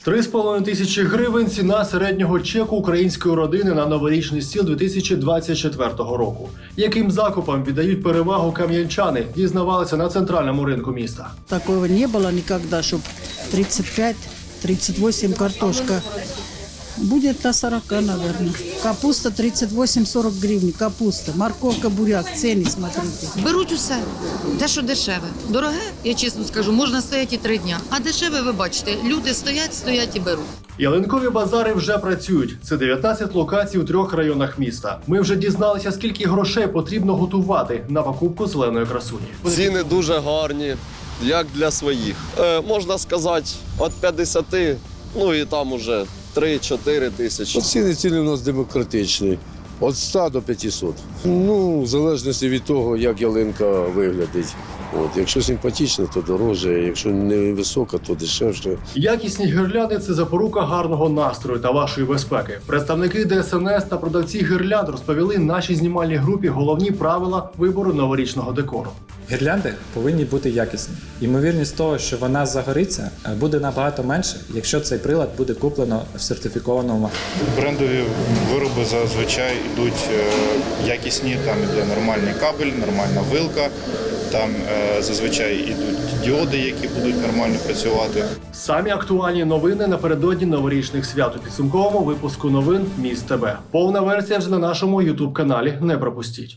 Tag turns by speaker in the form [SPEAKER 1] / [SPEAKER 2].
[SPEAKER 1] 3,5 тисячі гривень – ціна середнього чеку української родини на новорічний стіл 2024 року. Яким закупам віддають перевагу кам'янчани, дізнавалися на центральному ринку міста.
[SPEAKER 2] Такого не было никогда, чтобы 35-38 картошка. Будет на 40, наверное. Капуста 38-40 гривен. Капуста, морковка, буряк. Цены смотрите.
[SPEAKER 3] Беруть усе. Те, що дешеве. Дороге, я чесно скажу, можна стояти і 3 дня. А дешеве, ви бачите, люди стоять і беруть.
[SPEAKER 1] Ялинкові базари вже працюють. Це 19 локацій у 3 районах міста. Ми вже дізналися, скільки грошей потрібно готувати на покупку зеленої красуні.
[SPEAKER 4] Ціни дуже гарні, як для своїх. Можна сказати, від 50, ну і там уже 3-4 тисячі.
[SPEAKER 5] Ціни у нас демократичні. Від 100 до 500. Ну, в залежності від того, як ялинка виглядить. Якщо симпатична, то дорожче, якщо не висока, то дешевше.
[SPEAKER 1] Якісні гірлянди – це запорука гарного настрою та вашої безпеки. Представники ДСНС та продавці гірлянд розповіли нашій знімальній групі головні правила вибору новорічного декору.
[SPEAKER 6] Гірлянди повинні бути якісні. Ймовірність того, що вона загориться, буде набагато менше, якщо цей прилад буде куплено в сертифікованому магазині.
[SPEAKER 7] Брендові вироби зазвичай йдуть якісні, там іде нормальний кабель, нормальна вилка, там зазвичай йдуть діоди, які будуть нормально працювати.
[SPEAKER 1] Самі актуальні новини напередодні новорічних свят у підсумковому випуску новин Міст ТБ. Повна версія вже на нашому YouTube-каналі. Не пропустіть.